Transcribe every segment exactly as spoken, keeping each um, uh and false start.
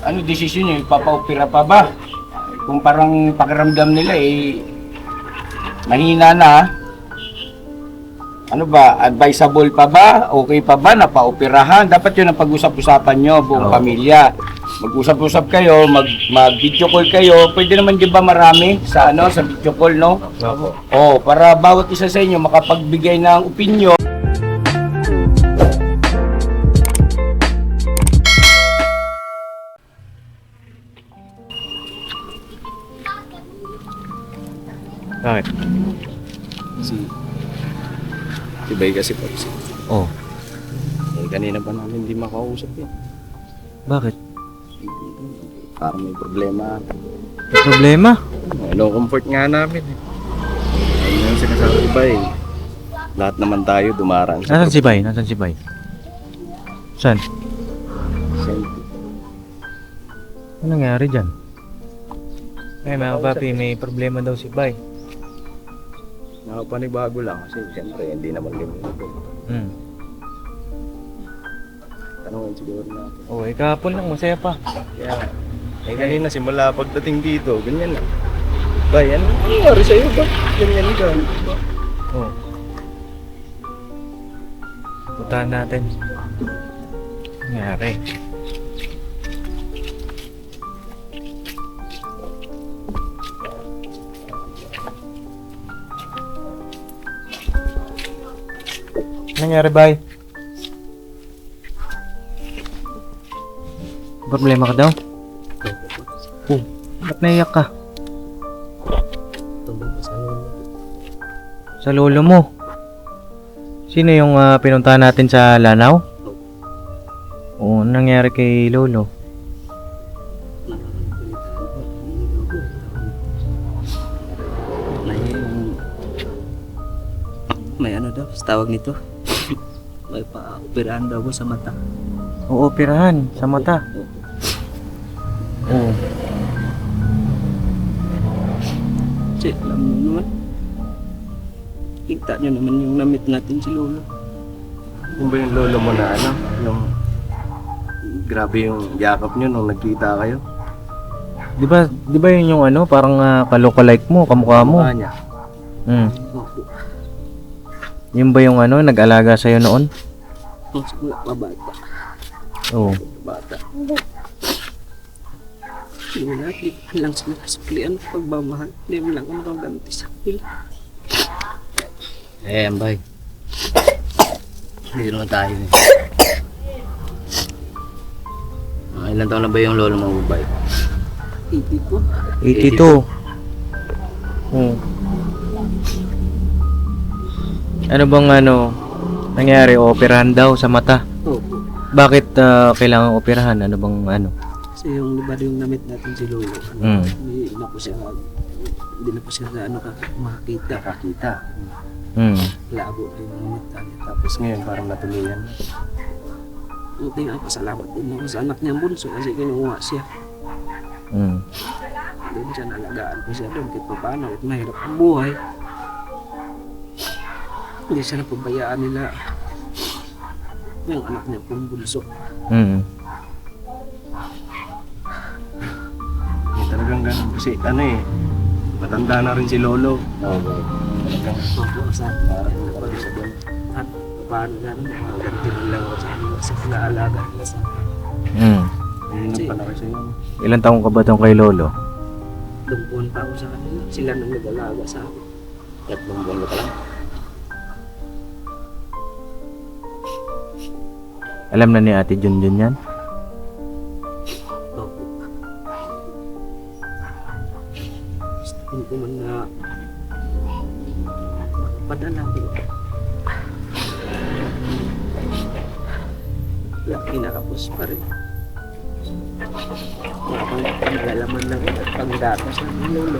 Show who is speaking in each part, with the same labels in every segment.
Speaker 1: ano desisyon nyo? Ipapaopera pa ba? Kung parang pakiramdam nila eh, mahina na, ano ba, advisable pa ba? Okay pa ba na paoperahan? Dapat yun ang pag-usap-usapan nyo, buong
Speaker 2: Oo.
Speaker 1: pamilya. Mag-usap-usap kayo, mag, mag-video call kayo. Pwede naman di ba marami sa ano sa video call, no?
Speaker 2: Opo.
Speaker 1: Oh, para bawat isa sa inyo makapagbigay ng opinion.
Speaker 2: Bakit?
Speaker 1: Si Si Bay kasi po.
Speaker 2: Oh,
Speaker 1: Eh, kanina pa namin hindi makausap yan.
Speaker 2: bakit?
Speaker 1: Parang may problema.
Speaker 2: May problema?
Speaker 1: Hello, comfort nga namin eh. Ayun yung sinasabi ba eh. Lahat naman tayo dumaraan
Speaker 2: Nasaan si Bay? Nasaan si Bay? Saan?
Speaker 1: Sen-
Speaker 2: Ano nangyari dyan? Ay, mga papi, may problema daw si Bay.
Speaker 1: Nakapanibago lang kasi siyempre hindi naman ganito.
Speaker 2: Hmm.
Speaker 1: Tanungin siguro natin.
Speaker 2: Oh, eh, kahapon lang, masaya pa.
Speaker 1: Kaya, eh kanina simula pagdating dito, ganyan lang. Bay, ano nangyari sa'yo ba? Ganyan ka.
Speaker 2: Oh. Puntahan natin. Ano nangyari? Ano nangyari, Bay? Problema ka daw? Oh, ba't naiyak ka? Sa lolo mo? Sino yung ah, pinuntahan natin sa Lanao? Oo, anong nangyari kay lolo?
Speaker 3: May, may ano daw, tawag nito. May pa-operahan daw ko sa mata.
Speaker 2: Oo, operahan sa mata. Oo.
Speaker 3: Kasi alam mo naman, kita nyo naman yung namit natin si Lolo.
Speaker 1: Yung ba yung lolo mo na ano? Yung grabe yung yakap nyo nung nagkita kayo?
Speaker 2: Di ba, di ba yun yung ano, parang uh, kalokalike mo, kamukha mo?
Speaker 1: Mukha niya.
Speaker 2: Hmm.
Speaker 3: Opo.
Speaker 2: Yun ba yung ano, nag-alaga sa'yo noon?
Speaker 3: Nung simula pa bata.
Speaker 2: Oo.
Speaker 3: Bata. Hindi mo lahat, di ko lang sila kasuklian ng pagmamahal. Hindi mo lang ako nakaganti sa kanila.
Speaker 4: Eh, Ambay. Hindi naman tayo eh. Ah, ilan taon na ba yung lolo mo, Bay?
Speaker 3: Hindi po.
Speaker 2: eighty-two. Oo. Ano bang ano, nangyari? Operahan daw sa mata.
Speaker 3: Opo.
Speaker 2: Bakit ah, kailangan operahan? Ano bang ano?
Speaker 3: Kasi yung liba yung namit natin si Lolo. Ano,
Speaker 2: Mm.
Speaker 3: Hindi na po siya, hindi na po siya na ano, makakita.
Speaker 1: Nakakita.
Speaker 2: Hmm.
Speaker 3: Labo na yung namit natin.
Speaker 1: Tapos ngayon parang natuloyan.
Speaker 3: Buti nga, pasalamat din ako sa anak niya bunso kasi kinuha siya.
Speaker 2: Hmm.
Speaker 3: Doon siya nalagaan ko siya doon kahit pa paano at mahirap ang buhay. Hindi siya napabayaan nila yung anak niya pong bunso.
Speaker 2: Hmm.
Speaker 1: Eh, talagang ganun. Kasi ano eh, matanda na rin si lolo.
Speaker 4: Oo, Bay.
Speaker 1: Talagang
Speaker 3: Opo, sa
Speaker 1: parang napag sa doon.
Speaker 3: at paano nga naman, magaganti rin lang ako sa kanila sa pinaalaga nila sa
Speaker 2: Hmm.
Speaker 1: Hindi na pa na kasi yun.
Speaker 2: Ilan taong ka ba tong kay lolo?
Speaker 3: dumpuan pa ako sa kanila. Sila nang nag-alaga sa akin.
Speaker 4: Tatlong buwan ka pa lang.
Speaker 2: Alam na ni Ate Junjun yan?
Speaker 3: Opo. Gusto ko man na padala ko. Wala, kinakapos pa rin. Wala pang panglalaman lang at panggatos ng lolo.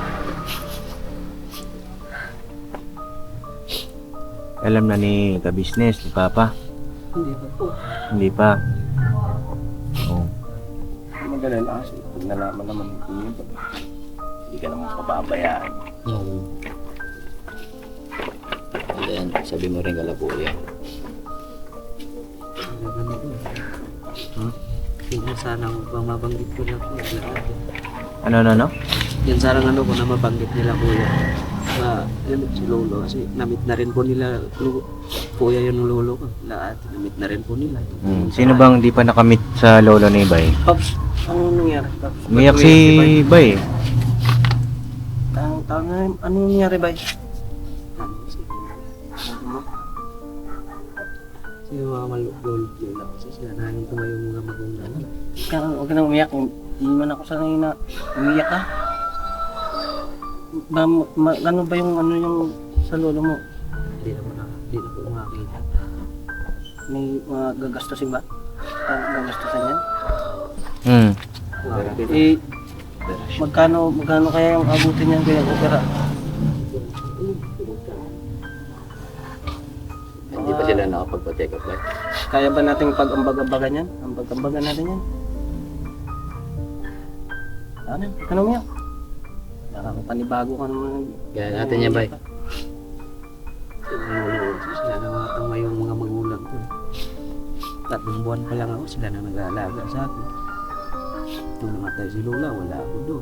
Speaker 2: Alam na ni ka-business, ni Papa?
Speaker 3: Hindi pa po.
Speaker 2: Hindi pa. Oo.
Speaker 1: Magalala kasi pag nalaman naman yun, hindi ka naman pababayaan.
Speaker 4: Oo. And then, sabi mo rin kala kuya.
Speaker 3: Nalaman mo.
Speaker 4: Hmm?
Speaker 3: Yun sana kung mabanggit ko lang po lahat.
Speaker 2: Ano, ano, ano?
Speaker 3: Yan sana ano ko na mabanggit nila kuya. Na, yun, si lolo kasi namit na rin po nila lu- kuya yung lolo ko. Lahat, namit na rin po nila.
Speaker 2: Hmm. Sino bang di pa nakamit sa lolo ni Bay?
Speaker 3: Pops, ano nangyari? Pops?
Speaker 2: Umiyak
Speaker 3: Ba't
Speaker 2: si
Speaker 3: Bay?
Speaker 2: Bay.
Speaker 3: Tang, tang, ano nangyari ba? Ano, si ano? Si mga malulog nila kasi sila na yung tumayo mga magulang. Kaya huwag ka nang umiyak. Hindi man ako sanay na umiyak ka. Ba, ma, ano ba yung ano yung sa lolo mo? Hindi na po na, hindi na po makakita. May mga gagastusin ba? Ah, gagastusin yan?
Speaker 2: Hmm.
Speaker 3: Eh, magkano, magkano kaya yung abutin niyan kaya opera?
Speaker 4: Hindi pa sila nakapagpa-check up live.
Speaker 3: Kaya ba nating pag-ambag-ambagan yan? Ambag-ambagan natin yan? Ano? Ano mo yan? Nakakapanibago ka naman.
Speaker 4: Kaya natin yan, Bay.
Speaker 3: Sila na mga tama yung mga magulang ko. Tatlong buwan pa lang ako, sila na nag-aalaga sa akin. Nung namatay si Lola, wala ako doon.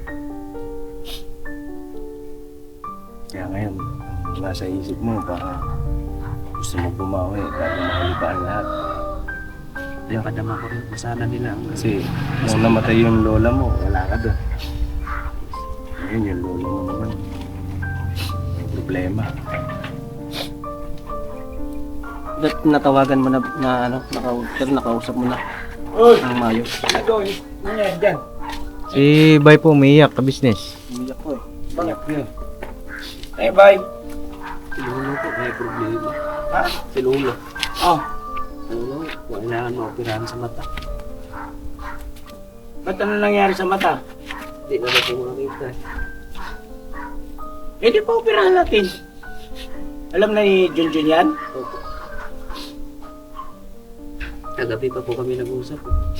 Speaker 1: Kaya ngayon, ang nasa isip mo, baka gusto mo bumawi, bago makalipaan lahat.
Speaker 3: Kaya padama ko rin, sana nila.
Speaker 1: Kasi nung namatay yung lola mo, wala ka doon. Ngayon yung lola mo naman, may problema.
Speaker 3: Ba't natawagan mo na, na ano, naka, pero nakausap mo na ang Mayo?
Speaker 2: Si Bay po umiyak ka business.
Speaker 3: Umiyak ko eh.
Speaker 1: Bakit yun? Eh, bye!
Speaker 3: Si Lolo ko, may problema. Ha? Si Lolo.
Speaker 1: Oh,
Speaker 3: Lolo, kailangan mo operahan sa mata.
Speaker 1: ba't ano nangyari sa mata?
Speaker 3: Hindi na natin makita.
Speaker 1: Eh, di pa operahan natin. Alam na ni Junjun yan?
Speaker 3: Opo. Kagabi pa po kami nag-usap.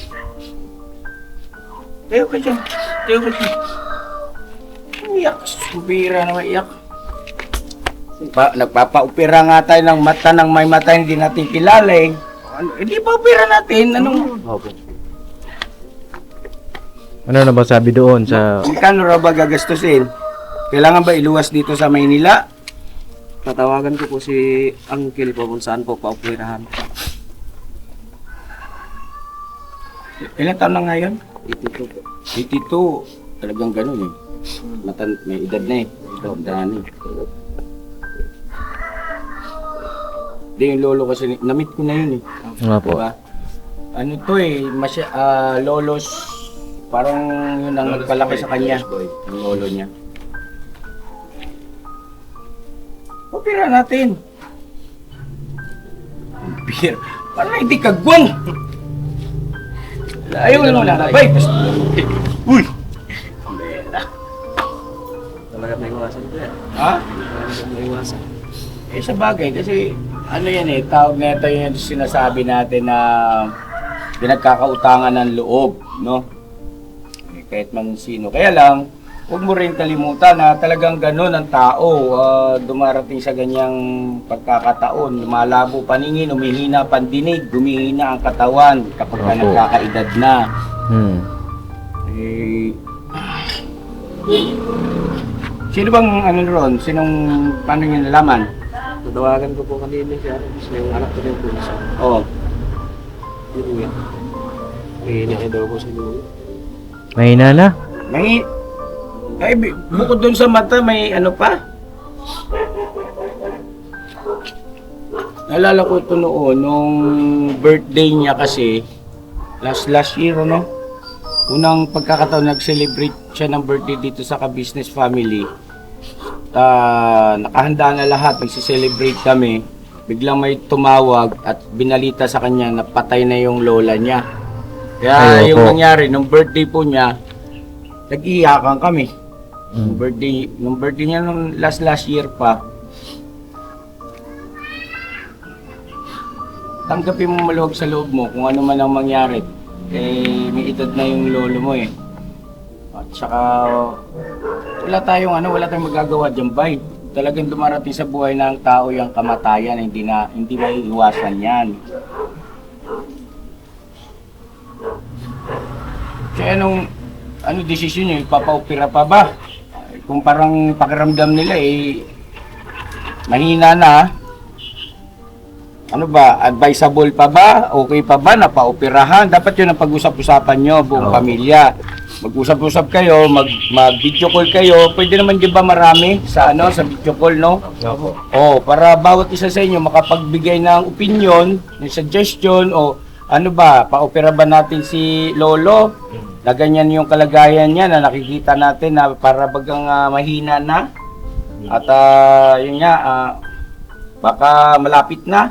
Speaker 1: Tayo ka dyan. Tayo ka dyan. Umiyak. Subira na maiyak. Pa, nagpapa-opera nga tayo ng mata ng may mata hindi natin kilala eh. Ano, hindi pa opera natin. Anong...
Speaker 3: Opo.
Speaker 2: Ano na ba sabi doon sa...
Speaker 1: Magkano raw ba gagastusin? Kailangan ba iluwas dito sa Maynila?
Speaker 3: Tatawagan ko po si Uncle po kung saan po pa-operahan.
Speaker 1: Ilan taon na ngayon?
Speaker 3: eighty-two po.
Speaker 1: eighty-two. Talagang ganun eh. Matan may edad na eh. Edad na eh. Di yung lolo kasi, namit ko na yun eh.
Speaker 2: Nga po.
Speaker 1: Diba? Ano to eh, masya, ah, lolos, parang yun ang nagpalaki sa kanya. Yung lolo niya. Opera natin. Opera. Parang hindi kagwang. Ayaw na lang na. Bay! Uy!
Speaker 3: Talaga may iwasan ko yan.
Speaker 1: Ha?
Speaker 3: Talaga may iwasan.
Speaker 1: Eh sa bagay, kasi ano yan eh, tawag na ito yung sinasabi natin na pinagkakautangan ng loob, no? Eh, kahit man sino. Kaya lang, huwag mo rin kalimutan na talagang ganun ang tao. Ah, dumarating sa ganyang pagkakataon, lumalabo paningin, umihina pandinig, gumihina ang katawan kapag ka
Speaker 2: Opo.
Speaker 1: nagkakaedad na.
Speaker 2: Hmm.
Speaker 1: Eh, sino bang ano ron? Sinong, paano nyo nalaman?
Speaker 3: Tatawagan ko po kanina siya. Kasi yung anak ko rin po siya.
Speaker 1: Oo.
Speaker 3: Yun nga. Eh, daw ko si Lolo.
Speaker 2: Mahina na.
Speaker 1: May, ay, bi- bukod dun sa mata, may ano pa? Naalala ko ito noon, nung birthday niya kasi, last last year, ano? Unang pagkakataon, nag-celebrate siya ng birthday dito sa ka-business family. Ah, nakahanda na lahat, nagsi-celebrate kami. Biglang may tumawag at binalita sa kanya na patay na yung lola niya. Kaya
Speaker 2: Ay,
Speaker 1: yung
Speaker 2: opo.
Speaker 1: nangyari, nung birthday po niya, nag-iyakan kami. Nung
Speaker 2: Hmm.
Speaker 1: birthday, nung birthday niya nung last last year pa. Tanggapin mo maluwag sa loob mo kung ano man ang mangyari. Eh, may edad na yung lolo mo eh. At saka, wala tayong ano, wala tayong magagawa dyan, bay. Talagang dumarating sa buhay ng tao yung kamatayan, hindi na, hindi may iwasan yan. Eh, anong, ano desisyon nyo? Ipapa-opera pa ba? Kung parang pakiramdam nila eh, mahina na, ano ba, advisable pa ba? Okay pa ba na pa-operahan? Dapat yun ang pag-usap-usapan nyo, buong
Speaker 2: Oo.
Speaker 1: pamilya. Mag-usap-usap kayo, mag, mag-video call kayo. Pwede naman di ba marami sa ano sa video call, no?
Speaker 2: Opo.
Speaker 1: Oh, para bawat isa sa inyo makapagbigay ng opinion, ng suggestion o ano ba, pa-opera ba natin si Lolo? Na ganyan yung kalagayan niya na nakikita natin na para bagang ah, mahina na. At ah, yun nga, ah, baka malapit na.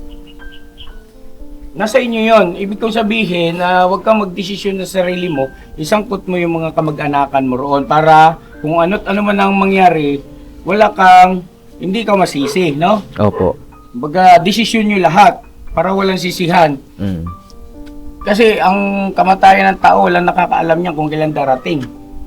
Speaker 1: Nasa inyo yon. Ibig kong sabihin na huwag kang magdesisyon sa sarili mo, isangkot mo yung mga kamag-anakan mo roon para kung ano't ano man ang mangyari, wala kang, hindi ka masisi, no?
Speaker 2: Opo.
Speaker 1: Baga, desisyon nyo lahat para walang sisihan.
Speaker 2: Mm.
Speaker 1: Kasi ang kamatayan ng tao, walang nakakaalam niya kung kailan darating.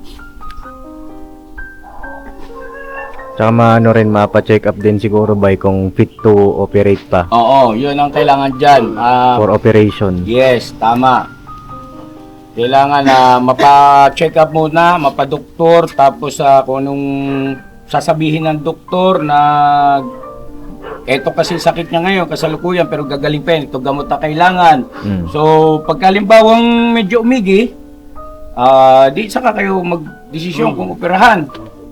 Speaker 2: Tsaka maano rin, mapa-check up din siguro by kung fit to operate pa
Speaker 1: Oo, yun ang kailangan dyan. Ah,
Speaker 2: for operation.
Speaker 1: yes, tama. Kailangan na mapa-check up muna, mapa-doktor, tapos ah, kung anong sasabihin ng doktor na eto kasi sakit niya ngayon, kasalukuyan, pero gagaling pa yan, ito gamot na kailangan.
Speaker 2: Mm.
Speaker 1: So, pagkalimbawang medyo umigi, ah, di saka kayo mag-desisyon kung operahan.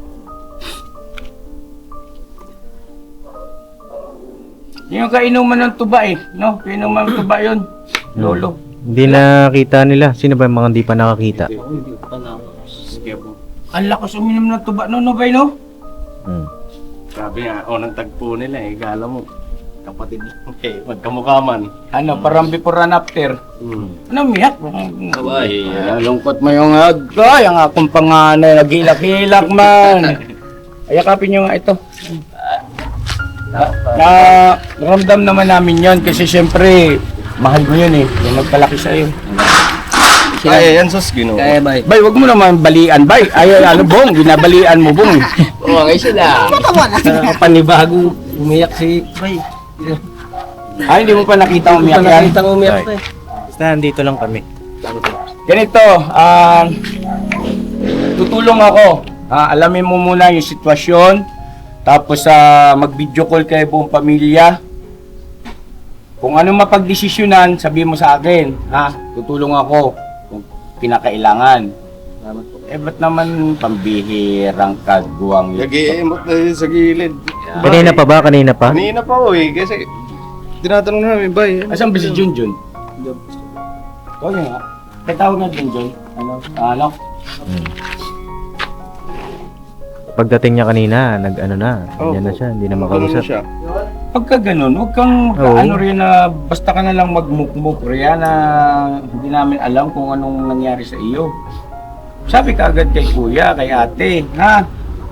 Speaker 1: Yung kainuman ng tuba eh, no? Kainuman ng tuba yun, Lolo.
Speaker 2: Hindi nakita nila. Sino ba yung mga hindi pa nakakita?
Speaker 3: Hindi pa na. Sige po.
Speaker 1: Ang lakas uminom ng tuba, no, no, bay, no?
Speaker 2: Mm.
Speaker 5: Sabi nga, unang tagpo nila eh, gala mo, kapatid mo eh, magkamukha man.
Speaker 1: Ano, parang before and after.
Speaker 5: Hmm.
Speaker 1: Ano, miyak?
Speaker 4: Kabay.
Speaker 1: Ay, lungkot mo yung agay, ang akong panganay, naghilak-hilak man. Ayakapin nyo nga ito. Na, na, naramdam naman namin yon kasi syempre, mahal mo yun eh, yung nagpalaki sa'yo.
Speaker 5: Kaya yan sus, gino.
Speaker 3: Kaya bay.
Speaker 1: Bay, wag mo naman balian, bay. Ay, ano, bong, binabalian mo, bong.
Speaker 4: Oo, ngayon sila.
Speaker 1: Uh, panibago, umiyak si bay. Ay, hindi mo pa nakita umiyak yan.
Speaker 3: Nakita ko umiyak pa eh.
Speaker 2: Basta nandito lang kami.
Speaker 1: Ganito, ah, tutulong ako. Ah, alamin mo muna yung sitwasyon. Tapos sa mag-video call kayo buong pamilya. Kung ano mapagdesisyonan, sabihin mo sa akin. Ha? Tutulong ako kung pinakailangan. Eh, ba't naman pambihirang kagwang yun?
Speaker 5: Nag-iimot na yun sa gilid.
Speaker 2: Kanina pa ba? Kanina pa?
Speaker 5: Kanina pa oh eh, kasi tinatanong namin, bay.
Speaker 1: Asan ba si Junjun? Huwag nga. Kaya tawag nga Junjun. Ano? Ano?
Speaker 2: Mm. Pagdating niya kanina, nag-ano na. Ganyan na siya. Hindi na makausap.
Speaker 5: siya.
Speaker 1: Pagka ganun, huwag kang
Speaker 2: Oo.
Speaker 1: ano rin na basta ka na lang magmukmuk riyan na hindi namin alam kung anong nangyari sa iyo. Sabi ka agad kay kuya, kay ate, ha?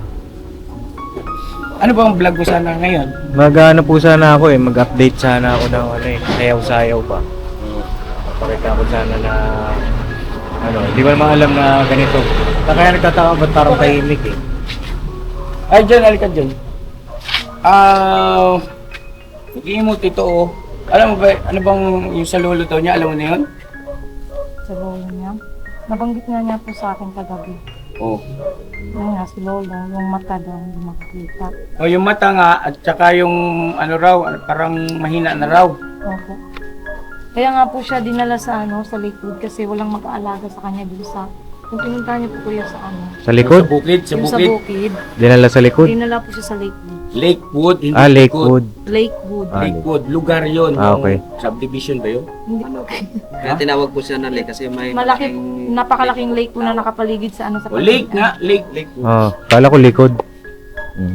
Speaker 1: Ano ba ang vlog mo sana ngayon?
Speaker 2: Mag-ano po sana ako eh. Mag-update sana ako ng ano eh. Sayaw-sayaw pa. Pakita ko sana na ano, hindi ko naman alam na ganito. Kaya nagtataka ba't parang tahimik eh.
Speaker 1: Ay, dyan, halika dyan. Ah, nag-iimot ito oh. Alam mo ba, ano bang yung sa lolo daw niya, alam mo na yun?
Speaker 6: Sa lolo niya. Nabanggit nga niya po sa akin kagabi.
Speaker 1: Oh.
Speaker 6: Yung nga si lolo, yung mata daw hindi makikita.
Speaker 1: O yung mata nga, at saka yung ano raw, parang mahina na raw.
Speaker 6: Opo. Kaya nga po siya dinala sa ano, sa likod kasi walang mag-aalaga sa kanya dun sa yung pinunta niya po kuya sa ano.
Speaker 2: Sa likod?
Speaker 1: Sa bukid, sa
Speaker 6: Yung sa
Speaker 1: bukid.
Speaker 6: bukid.
Speaker 2: Dinala sa likod?
Speaker 6: Dinala po siya sa Lakewood.
Speaker 1: Lakewood, hindi
Speaker 2: Ah, Lakewood.
Speaker 6: Lakewood.
Speaker 2: Ah,
Speaker 1: Lakewood, lugar yun.
Speaker 2: Ah,
Speaker 1: yung
Speaker 2: okay.
Speaker 1: Subdivision ba yun?
Speaker 6: Hindi,
Speaker 3: Kaya tinawag po siya na lake kasi may
Speaker 6: malaki, napakalaking lake po na nakapaligid sa ano sa
Speaker 1: O lake nga, lake, lake.
Speaker 2: Oh, kala ko likod. Mm.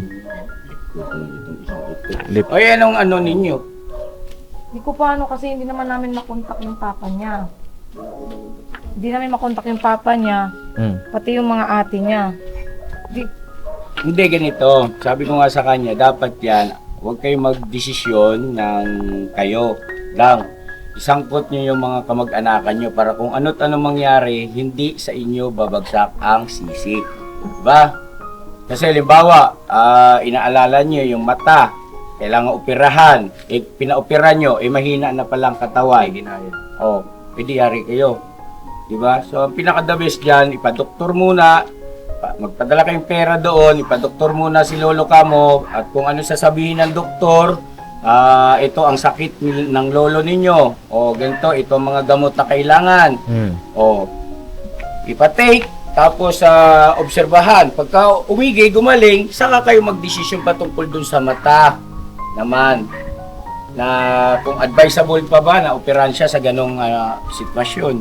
Speaker 2: Lip.
Speaker 1: O yan ang ano ninyo.
Speaker 6: Hindi ko pa ano kasi hindi naman namin makontak yung papa niya. Hindi namin makontak yung papa niya,
Speaker 2: Mm.
Speaker 6: pati yung mga ate niya. Di,
Speaker 1: Hindi ganito. Sabi ko nga sa kanya, dapat yan, huwag kayo magdesisyon ng kayo lang. Isangkot nyo yung mga kamag-anakan nyo para kung ano't ano mangyari, hindi sa inyo babagsak ang sisi. Diba? Kasi halimbawa, ah, inaalala nyo yung mata, kailangan operahan, eh, pinaopera nyo, eh mahina na palang katawan. O, pwede yari kayo. Di ba? So, ang pinaka-the best dyan, ipadoktor muna, pa- magpadala kayong pera doon, ipadoktor muna si lolo kamo, at kung ano sasabihin ng doktor, ah, ito ang sakit ni- ng lolo ninyo, o ganito, ito ang mga gamot na kailangan,
Speaker 2: Mm.
Speaker 1: o ipatake, tapos sa obserbahan. Pagka umigay, gumaling, saka kayo magdesisyon patungkol dun sa mata naman. Na kung advisable pa ba na operahan siya sa ganong ah, sitwasyon.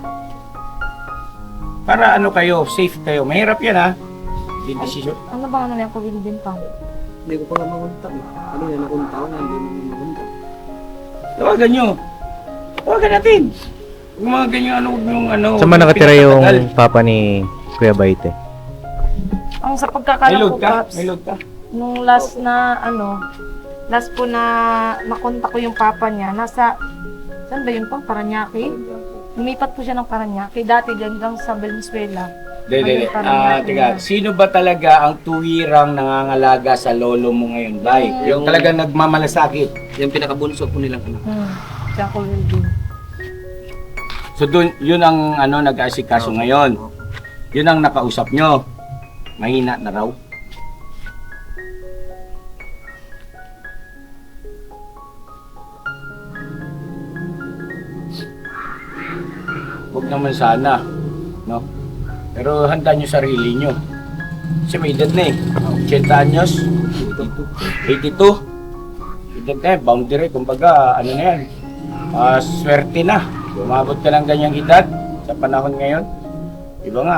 Speaker 1: Para ano kayo, safe kayo. Mahirap yan ha. Yung desisyon.
Speaker 6: Ano ba ano yan, Kuya din pa?
Speaker 3: Hindi ko pa nga makunta. eh. Ano yan, nakunta ko na, hindi mo makunta.
Speaker 1: Tawagan nyo. Tawagan natin. Yung mga ganyan ano, yung ano.
Speaker 2: Saan ba nakatira yung
Speaker 1: pinakatagal.
Speaker 2: papa ni Kuya Baite?
Speaker 6: Ang sa
Speaker 1: May
Speaker 6: pagkakalam
Speaker 1: load
Speaker 6: ko,
Speaker 1: ka?
Speaker 6: Paps,
Speaker 1: May load ka?
Speaker 6: nung last na ano, last po na nakontak ko yung papa niya, nasa, saan ba yun po? Paranaque? Lumipat po siya ng Paranaque. Dati hanggang sa Valenzuela.
Speaker 1: Dede,
Speaker 6: Ayun, parang
Speaker 1: ah,
Speaker 6: natin
Speaker 1: tiga,
Speaker 6: yan.
Speaker 1: sino ba talaga ang tuwirang nangangalaga sa lolo mo ngayon, Bay? Yung talagang nagmamalasakit.
Speaker 3: Yung pinakabunso po nilang anak.
Speaker 6: Hmm. Siya ko din.
Speaker 1: So dun, yun ang ano nag-aasikaso ngayon. Yun ang nakausap nyo. Mahina na raw. Huwag naman sana, no? Pero handa nyo sarili nyo. Kasi may edad na eh. eighty anyos. eighty-two. Edad na eh, boundary. Kumbaga, ano na yan. Ah, swerte na. Umabot ka ng ganyang edad sa panahon ngayon. Iba nga,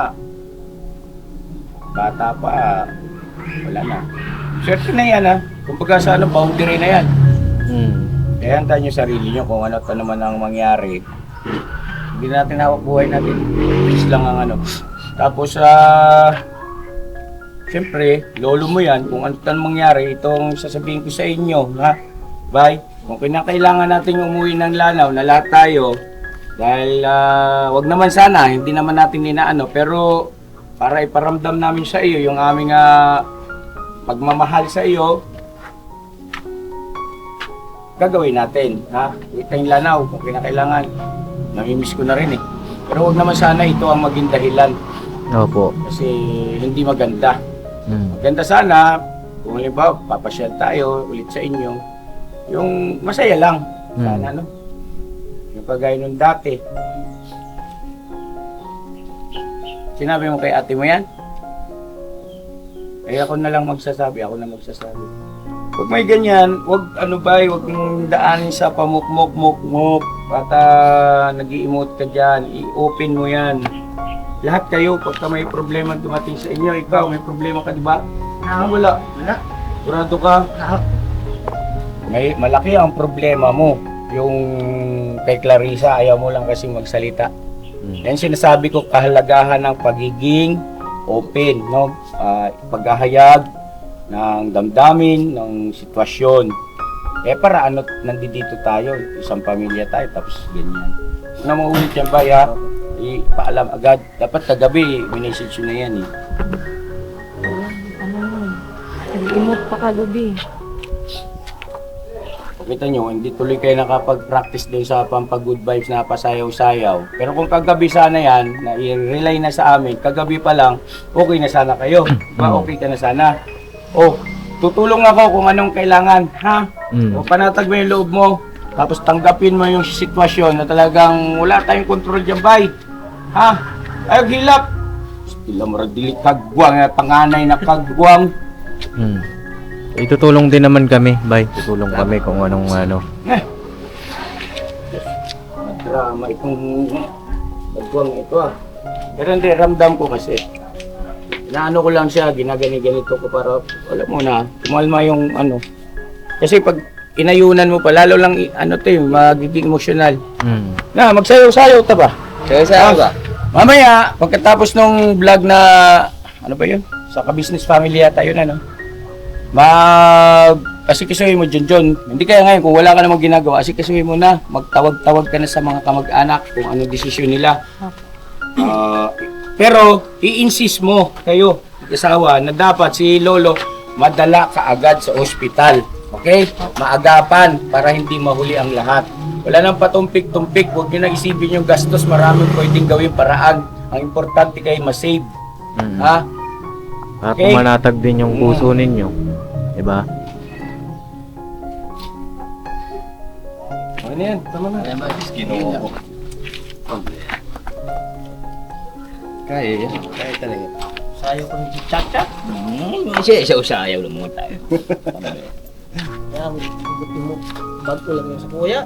Speaker 1: bata pa, wala na. Swerte na yan ha. Kumbaga sa ano, boundary na yan.
Speaker 2: Mm.
Speaker 1: Kaya handa nyo sarili nyo kung ano to naman ang mangyari. Hindi natin hawak buhay natin. Peace lang ang ano. Tapos, ah, siyempre, lolo mo yan. Kung ano tan mangyari, itong sasabihin ko sa inyo, ha? Bye. Kung kinakailangan natin umuwi ng Lanao, na lahat tayo, dahil ah, wag naman sana, hindi naman natin ninaano, pero para iparamdam namin sa iyo yung aming ah, pagmamahal sa iyo, gagawin natin, ha? Uwi tayong Lanao kung kinakailangan. Namimiss ko na rin eh. Pero wag naman sana ito ang maging dahilan
Speaker 2: Opo.
Speaker 1: kasi hindi maganda.
Speaker 2: Mm.
Speaker 1: Maganda sana, kung halimbawa, papasyal tayo ulit sa inyo, yung masaya lang. Sana,
Speaker 2: Hmm.
Speaker 1: no? Yung kagaya nung dati. Sinabi mo kay ate mo yan? Ay ako na lang magsasabi, ako na magsasabi. Huwag may ganyan, huwag ano ba, huwag mong daanin sa pamuk-muk-muk-muk at uh, nag-i-emote ka dyan, i-open mo yan. Lahat kayo, pagka may problema dumating sa inyo, ikaw may problema ka, di ba? Ah, wala. Wala. Kurado ka. May malaki ang problema mo. Yung kay Clarissa, ayaw mo lang kasi magsalita.
Speaker 2: Mm.
Speaker 1: Yan sinasabi ko, kahalagahan ng pagiging open, no? Ah, paghahayag ng damdamin, ng sitwasyon. Eh para ano, nandito tayo, isang pamilya tayo, tapos ganyan. Kung na maulit yan ba, ya? Ipaalam agad. Dapat kagabi, minessage yun na yan eh.
Speaker 6: Ano yun? Nag-emote pa kagabi.
Speaker 1: Kita nyo, hindi tuloy kayo nakapag-practice din sa pampag-good vibes na pasayaw-sayaw. Pero kung kagabi sana yan, na i-relay na sa amin, kagabi pa lang, okay na sana kayo. Ba, okay ka na sana. Oh, tutulong ako kung anong kailangan, ha?
Speaker 2: Mm.
Speaker 1: O panatag mo yung loob mo. Tapos tanggapin mo yung sitwasyon na talagang wala tayong kontrol dyan, bay. Ha? Ay, hilap. Sila mo rin dili kagwang, eh, panganay na kagwang.
Speaker 2: Mm. Itutulong din naman kami, bay. Tutulong kami kung anong ano.
Speaker 1: Eh. Drama itong kagwang ito ah. Pero hindi, ramdam ko kasi. Inaano ko lang siya, ginagani-ganito ko para, alam mo na, kumalma yung ano. Kasi pag inayunan mo pa, lalo lang, i- ano to yung magiging emosyonal.
Speaker 2: Mm.
Speaker 1: Na, magsayaw-sayaw ta ba?
Speaker 4: Sayaw-sayaw ba?
Speaker 1: Mamaya, pagkatapos nung vlog na, ano ba yun? Sa ka-business family yata yun, ano? Mag, asikisuhin mo dyan dyan. Hindi kaya ngayon, kung wala ka namang ginagawa, asikisuhin mo na. Magtawag-tawag ka na sa mga kamag-anak kung anong desisyon nila. Ah, pero, i-insist mo kayo, asawa, na dapat si Lolo madala ka agad sa ospital. Okay? Maagapan para hindi mahuli ang lahat. Wala nang patumpik-tumpik. Huwag nyo nang isipin yung gastos. Maraming pwedeng gawin paraan. Ang importante kayo masave.
Speaker 2: Mm.
Speaker 1: Ha?
Speaker 2: Para
Speaker 1: Okay.
Speaker 2: pumanatag din yung puso ninyo. Diba?
Speaker 5: Ano yan? Tama na.
Speaker 4: Ayan ba, Ginoo.
Speaker 5: Kaya yan. Kaya talaga.
Speaker 3: Sayo ko ni Chacha.
Speaker 4: Hmm, siya, siya usayaw lang mga tayo.
Speaker 3: Kaya, buti mo. Bag ko lang yung sa kuya.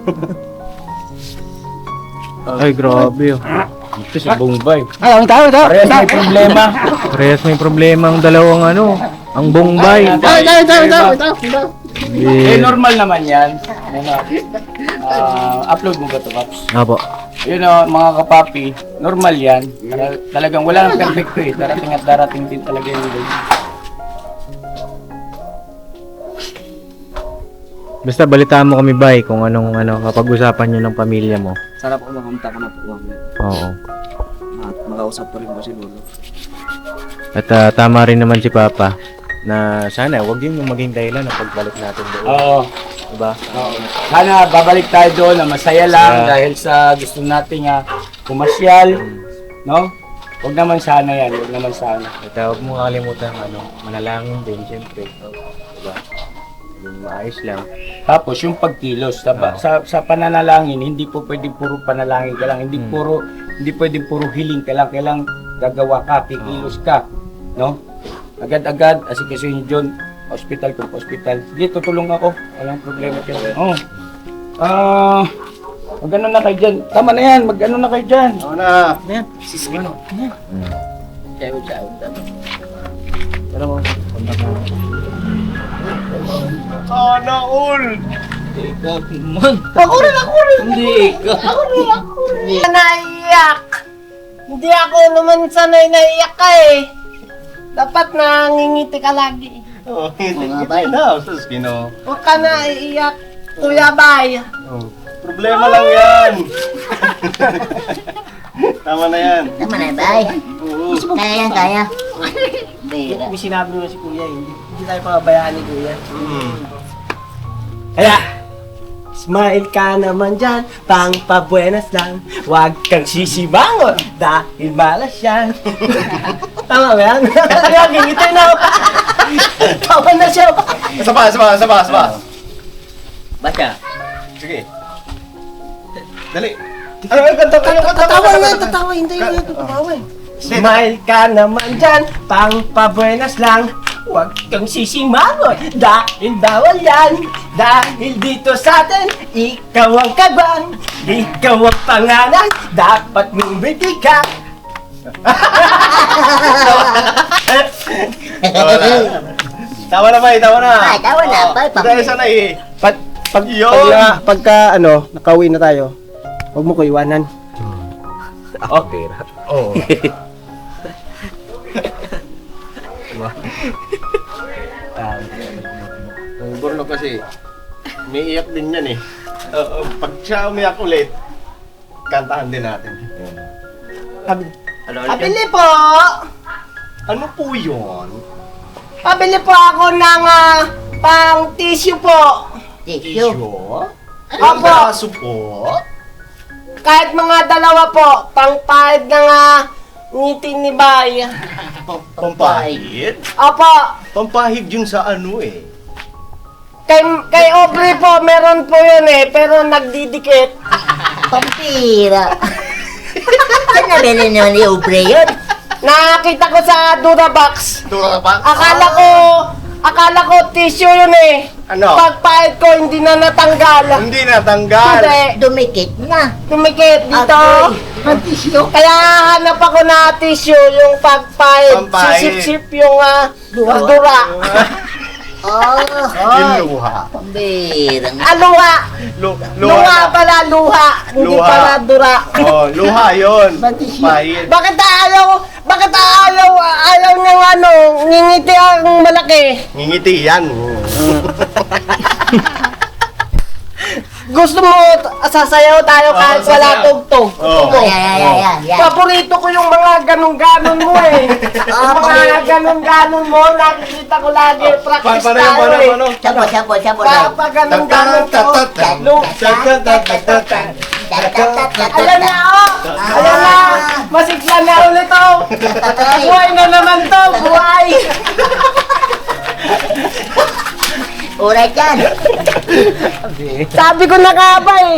Speaker 2: Ay, grabe oh.
Speaker 1: Ito si Bombay.
Speaker 3: Ay, ang tao, tao.
Speaker 1: Parehas may problema.
Speaker 2: Parehas may problema ang dalawang ano. Ang Bombay.
Speaker 1: Ay,
Speaker 3: Tao, tao, tao, tao, tao.
Speaker 1: Eh,
Speaker 2: Eh,
Speaker 1: normal naman yan. Ano, ah, upload mo ba ito, Paps?
Speaker 2: Apo.
Speaker 1: Yun o, mga kapapi, normal yan. Tala- talagang wala nang perfecto eh. Darating at darating din talaga yung day.
Speaker 2: Basta balitaan mo kami, Bay, kung anong ano, kapag-usapan nyo ng pamilya mo.
Speaker 3: Sarap ko makamta ko na po.
Speaker 2: Oo.
Speaker 3: At makausap pa rin po si Lolo.
Speaker 2: At ah, tama rin naman si Papa na sana wag yun yung maging dahilan ng pagbalik natin doon.
Speaker 1: Oo.
Speaker 2: Diba?
Speaker 1: Oo. Sana babalik tayo doon na masaya lang
Speaker 2: Masaya.
Speaker 1: dahil sa gusto nating uh, pumasyal. No? Huwag naman sana yan. Huwag naman sana.
Speaker 2: At ah, huwag mo kakalimutan ano, manalangin din, siyempre. Diba? Yung maayos lang.
Speaker 1: Tapos yung pagkilos sa,
Speaker 2: Oo.
Speaker 1: sa sa pananalangin, hindi po pwedeng puro panalangin ka lang, hindi
Speaker 2: Hmm.
Speaker 1: puro hindi pwedeng puro hiling ka lang, kailang gagawa ka, kikilos ka, no? Agad-agad asikasuhin John, hospital ko, hospital. Sige, tutulong ako. Walang problema kayo. Oh. Ah, mag-ano na kayo dyan. Tama na yan, mag-ano na kayo dyan.
Speaker 5: Ako na.
Speaker 2: Mm.
Speaker 4: Ciao, ciao.
Speaker 2: Alam mo, kontak mo.
Speaker 5: Sana all.
Speaker 4: Ikaw, man.
Speaker 3: Ako rin, ako rin.
Speaker 4: Hindi ikaw.
Speaker 3: Ako rin, ako rin. Naiyak. Hindi ako naman sanay naiyak ka eh. Dapat nangingiti ka lagi.
Speaker 5: Oh, hindi
Speaker 4: Mga
Speaker 5: kita
Speaker 4: bay.
Speaker 5: na. Sus, Ginoo.
Speaker 3: Huwag ka na iiyak. Kuya Bay.
Speaker 5: Oh. Problema lang yan. Tama na yan.
Speaker 4: Tama na, bay.
Speaker 5: Oo.
Speaker 4: Kaya yan, kaya. Bira.
Speaker 3: May sinabi mo si Kuya, hindi, hindi tayo pababayaan ni Kuya.
Speaker 5: Mm.
Speaker 3: Kaya, smile ka naman dyan, pang pabuenas lang. Huwag kang sisibangon, dahil malas yan. Tama ba yan? Kaya gingitay na ako. Tawa na siya.
Speaker 5: Isa pa, isa pa, isa pa, isa pa.
Speaker 4: Basta.
Speaker 5: Sige. Dali. Ano, ano, kanta, kanta, kanta,
Speaker 3: Tatawa
Speaker 5: kanta,
Speaker 3: na,
Speaker 5: kanta.
Speaker 3: tatawa, hindi na tatawa. Smile ka naman dyan, pang pabuenas lang. Huwag kang sisimangon, dahil bawal yan. Dahil dito sa atin, ikaw ang kagwan. Ikaw ang pangalan, dapat mong bibigyan.
Speaker 5: Tawa na. Tawa na, bay, tawa na.
Speaker 4: Ay, tawa na, bay,
Speaker 5: Oh, dahil sana eh.
Speaker 3: Pag, pag,
Speaker 5: Yun.
Speaker 3: pag, pagka ano, nakauwi na tayo, huwag mo ko iwanan.
Speaker 1: Okay.
Speaker 5: Oo. Ang burno kasi, may iyak din yan eh. Oo, pag siya umiyak ulit, kantahan din natin.
Speaker 4: Ano,
Speaker 3: Pabili po!
Speaker 5: Ano po yun?
Speaker 3: Pabili po ako ng ah, pang tissue po.
Speaker 4: Tissue.
Speaker 5: Tissue?
Speaker 3: Opo.
Speaker 5: Ang braso po?
Speaker 3: Kahit mga dalawa po, pang pahid ng ah, ngiti ni Bay.
Speaker 5: Pampahid?
Speaker 3: Opo,
Speaker 5: Pampahid yun sa ano eh.
Speaker 3: kay, kay Aubrey po, meron po yun eh, pero nagdidikit.
Speaker 4: Pampira. Saan nabili naman ni Ubre yun?
Speaker 3: Nakita ko sa Durabox.
Speaker 5: Tura pa?
Speaker 3: Akala ko, akala ko tissue yun eh.
Speaker 5: Ano?
Speaker 3: Pagpahid ko, hindi na natanggal.
Speaker 5: Hindi natanggal.
Speaker 3: Hindi,
Speaker 4: Dumikit na.
Speaker 3: tumikit dito.
Speaker 4: Agoy. Ang tissue.
Speaker 3: Kaya hanap ako na tissue, yung pagpahid,
Speaker 5: Pampahid.
Speaker 3: sisip-sip yung ah, dura.
Speaker 4: Oh,
Speaker 5: Yung luha.
Speaker 4: pambira.
Speaker 3: Ah, luha.
Speaker 5: Lu
Speaker 3: Luha
Speaker 5: luha.
Speaker 3: pala, luha. Hindi
Speaker 5: Luha.
Speaker 3: pala dura.
Speaker 5: Oh, luha yun.
Speaker 4: Batis yun.
Speaker 5: Pahid.
Speaker 3: Bakit ayaw, bakit ayaw, ayaw niyang ano, ngingiti ang malaki?
Speaker 5: Ngingiti yan.
Speaker 3: Gusto mo sasayaw tayo kahit
Speaker 5: Oo,
Speaker 3: wala
Speaker 5: sasayaw.
Speaker 3: tugtog?
Speaker 5: Oo.
Speaker 3: Gusto mo?
Speaker 4: Ayan, ayan, ayan, ayan.
Speaker 3: Paborito ko yung mga ganun-ganon mo eh.
Speaker 4: Ah,
Speaker 3: Yung mga ganun-ganon mo, nakikita ko lagi.
Speaker 5: Pa-
Speaker 3: Practice
Speaker 5: paano yun,
Speaker 3: tayo
Speaker 5: paano,
Speaker 3: eh.
Speaker 5: paano?
Speaker 4: Sabo, sabo, sabo
Speaker 3: Pa,
Speaker 4: lang.
Speaker 3: pa ganun-ganon ko. Lu- Ayan na oh! Ayan na! Masigla na ulit oh! Buhay na naman to! Buhay!
Speaker 4: Uray yan.
Speaker 3: Sabi ko na nga ba eh!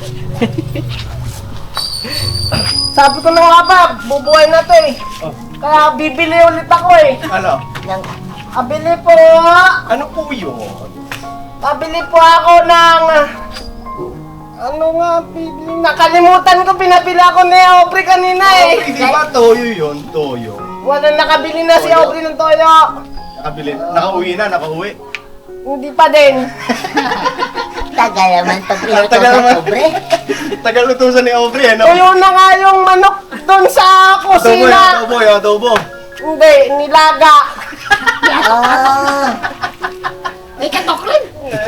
Speaker 3: Sabi ko na nga ba, bubuhay na to eh! Kaya bibili ulit ako eh!
Speaker 5: Ano?
Speaker 4: Nang-
Speaker 3: Pabili po!
Speaker 5: Ano po yun?
Speaker 3: Pabili po ako ng... Ano nga, bibili? Nakalimutan ko, pinabili ako ni Aubrey kanina eh!
Speaker 5: Hindi ba toyo yun? Toyo.
Speaker 3: Wala nakabili na si Aubrey ng toyo!
Speaker 5: Nakabili. Nakauwi na, nakauwi.
Speaker 3: Hindi pa din!
Speaker 4: Tagal naman pag pinuto
Speaker 5: Tagal
Speaker 4: sa
Speaker 5: naman.
Speaker 4: pobre.
Speaker 5: Tagal lutusan ni Aubrey, ano?
Speaker 3: Tuyo na nga yung manok doon sa
Speaker 5: Adobo, yung
Speaker 3: kusina!
Speaker 5: adobo, yung adobo.
Speaker 3: Hindi, nilaga!
Speaker 4: Ah. May katok rin.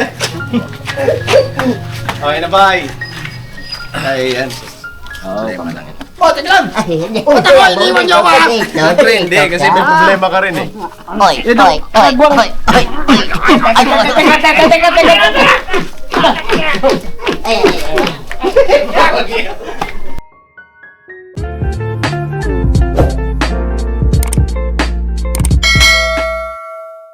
Speaker 5: Okay na, bye. Ay, yan. Problema lang ito.
Speaker 3: O, tignan!
Speaker 4: Ay, hindi.
Speaker 3: Oh, tawa, iniwan niyo ako, ah.
Speaker 5: Siyempre, hindi. Kasi may problema ka rin eh.
Speaker 4: Oy, oy, oy, oy, oy, oy. Ay,
Speaker 3: Teka, teka, teka, teka, teka!
Speaker 4: ay, ay, ay.